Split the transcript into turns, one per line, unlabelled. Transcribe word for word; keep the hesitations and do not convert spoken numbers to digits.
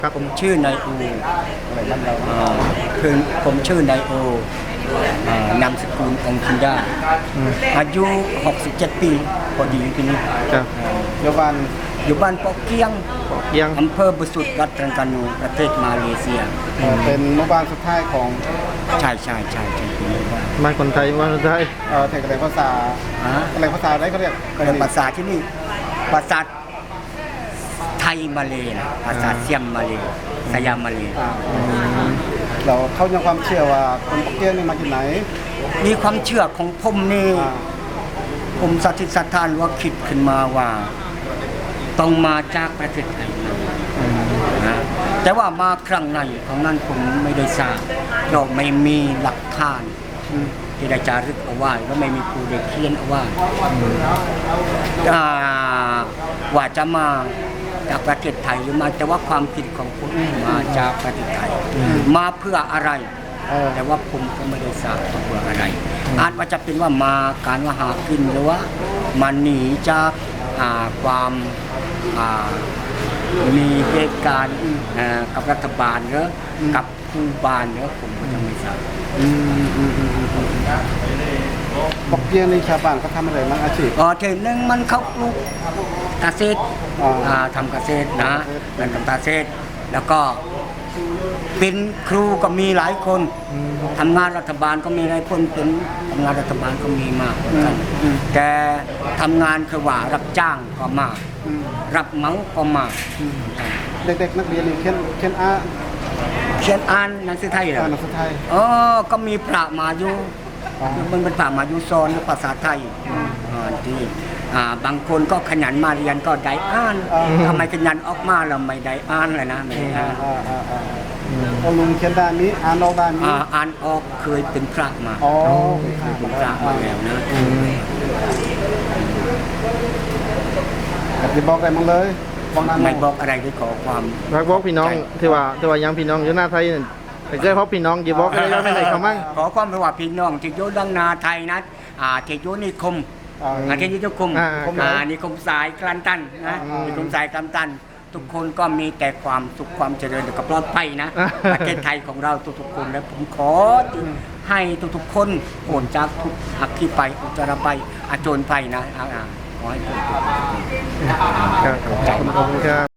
ครับ
ผมชื่อนายโออะไรบ้านเราคือผมชื่อนายโอนามสกุลองคินดาอายุหกสิบเจ็ดปีพอดีปีนี้
ครับ
อยู่บ้านอยู่บ้านปอกเกียง
เกียง
อำเภอบุสุดรัฐตรังกานูประเทศมาเลเซีย
เป็นหมู่บ้านสุดท้ายของ
ใช่ใช่ใช่ใช่เป็นหมู่บ้าน
บ้านคนไทยบ้านคนไทย
เออแทกอะไรภาษาอะไรภาษาอะไรเขาเรียก
ก็เลยภาษาที่นี่ภาษาไทยมาเลยนะภาษาเซียมมาเลยสยามมาเลย
เราเขายังความเชื่อว่าคนปอกเกียงนี่มาจากไหน
มีความเชื่อของผมนี่ผมสัตย์สัทธานว่าคิดขึ้นมาว่าต้องมาจากประเทศไทยนะแต่ว่ามาครั้งในของนั้นผมไม่ได้ทราบเราไม่มีหลักฐานที่ได้จารึกเอาไว้และไม่มีผู้ได้เขียนเอาไว้ว่าจะมาจากประเทศไทยหรือมาแต่ว่าความคิดของผมมาจากประเทศไทยมาเพื่ออะไรแต่ว่าผมก็ไม่ได้ทราบเพื่ออะไรอาจว่าจะเป็นว่ามาการว่าหากินหรือว่ามาหนีจากความมีเหตุการณ์กับรัฐบาลหรือกับผู้บ้านหรือผมก็ยังไม่ทราบ
ปอกเกียงในชาวบ้านเขาทำอะไรบ้างอาชีพ
อ๋อเทนึงมันเขาปลูกเกษตรทำเกษตรนะเป็นทำเกษตรแล้วก็เป็นครูก็มีหลายคนทำงานรัฐบาลก็มีหลายคนเป็นทำงานรัฐบาลก็มีมากเหมือนกันแต่ทำงานคือว่ารับจ้างก็มากรับเหมาก็มาก
เด็กๆนักเรียนเขียนเขียนอ่าน
เขียนอ่านหนังสือไทยเหรอ
หนังสือไทย
อ๋อก็มีพระมาอยู่มันเป็นพระมาอยู่สอนภาษาไทยที่บางคนก็ขยันมาเรียนก็ได้อ่านทำไมขยันออกมาเราไม่ได้อ่านเลยนะไม่ได้อ่าน
พอลุงเขียนด้านนี้อ่านออกด้านนี้
อ่านออกเคยเป็นพระมา
อ๋อ
เป็นพระมาแล้วนะ
จะบอกอะไรมั้งเลย
ไม่บอกอะไรด้วยขอความ
รักบอกพี่น้องที่ว่าที่ว่ายังพี่น้องอยู่หน้าไทยแต่เคยพบพี่น้องจีบอกอะไรยังไม่ได้เขามั่ง
ขอความว่าพี่น้องที่อยู่ดังนาไทยนะที่อยู่นิคมอาที่นิคมนิคมสายกลันตันนะนิคมสายกลันตันทุกคนก็มีแต่ความสุขความเจริญกับปลอดภัยนะประเทศไทยของเราทุกๆคนและผมขอให้ทุกๆคนโอนจากทุกอักขีไปอุจจาระไปอาโจรไปนะขอให้ทุกคน
ขอบคุณครับ